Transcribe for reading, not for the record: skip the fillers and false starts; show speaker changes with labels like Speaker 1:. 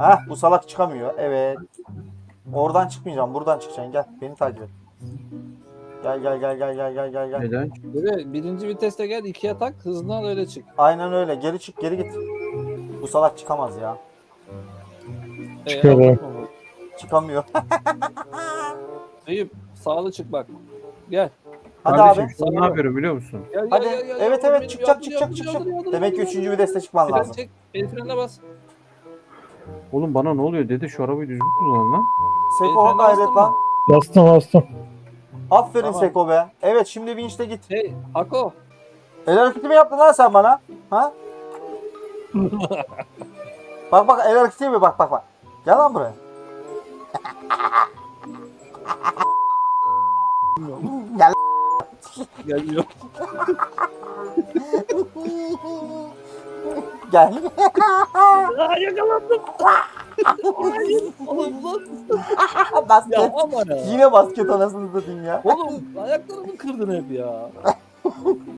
Speaker 1: Hah, bu salak çıkamıyor. Evet. Oradan çıkmayacağım. Buradan çıkacaksın. Gel. Beni takip et. Gel gel gel gel gel gel gel gel.
Speaker 2: Neden?
Speaker 3: Böyle birinci viteste gel, ikiye tak, hızını al, öyle çık.
Speaker 1: Aynen öyle. Geri çık, geri git. Bu salak çıkamaz ya.
Speaker 4: Çıkıyor
Speaker 3: aldın
Speaker 4: be.
Speaker 3: mı bu?
Speaker 1: Çıkamıyor.
Speaker 3: Eyüp sağlı çık bak. Gel.
Speaker 1: Hadi
Speaker 2: Kardeşim
Speaker 1: abi.
Speaker 2: şu an ne yapıyorum biliyor musun?
Speaker 3: Gel
Speaker 1: Hadi.
Speaker 3: gel gel. gel.
Speaker 1: Evet
Speaker 3: Yavrum
Speaker 1: evet
Speaker 3: benim,
Speaker 1: çıkacak
Speaker 3: yardır,
Speaker 1: çıkacak
Speaker 3: yardır,
Speaker 1: çıkacak.
Speaker 3: yardır, yardır,
Speaker 1: Demek ki
Speaker 3: yardır.
Speaker 1: 3. viteste çıkman
Speaker 3: Fren
Speaker 1: lazım.
Speaker 3: çek. El frenine bas.
Speaker 2: Oğlum bana ne oluyor dede, şu arabayı düzgün kullan lan.
Speaker 1: Seko
Speaker 3: Frene
Speaker 1: gayret
Speaker 3: bastın
Speaker 1: lan.
Speaker 3: mı?
Speaker 4: Bastım.
Speaker 1: Aferin
Speaker 3: Tamam.
Speaker 1: Seko be. Evet şimdi vinçle git.
Speaker 3: Hey Ako.
Speaker 1: El hareketi mi yaptın lan sen bana? Ha? Bak bak el hareketi mi? Bak bak bak. Gel lan buraya. Gel.
Speaker 3: Geliyor.
Speaker 1: Gel.
Speaker 3: Aa, yakalandım. Oğlum lan.
Speaker 1: Basket.
Speaker 3: Ya aman ya.
Speaker 1: Yine basket anasını satayım ya.
Speaker 3: Oğlum ayaklarımı kırdın hep ya.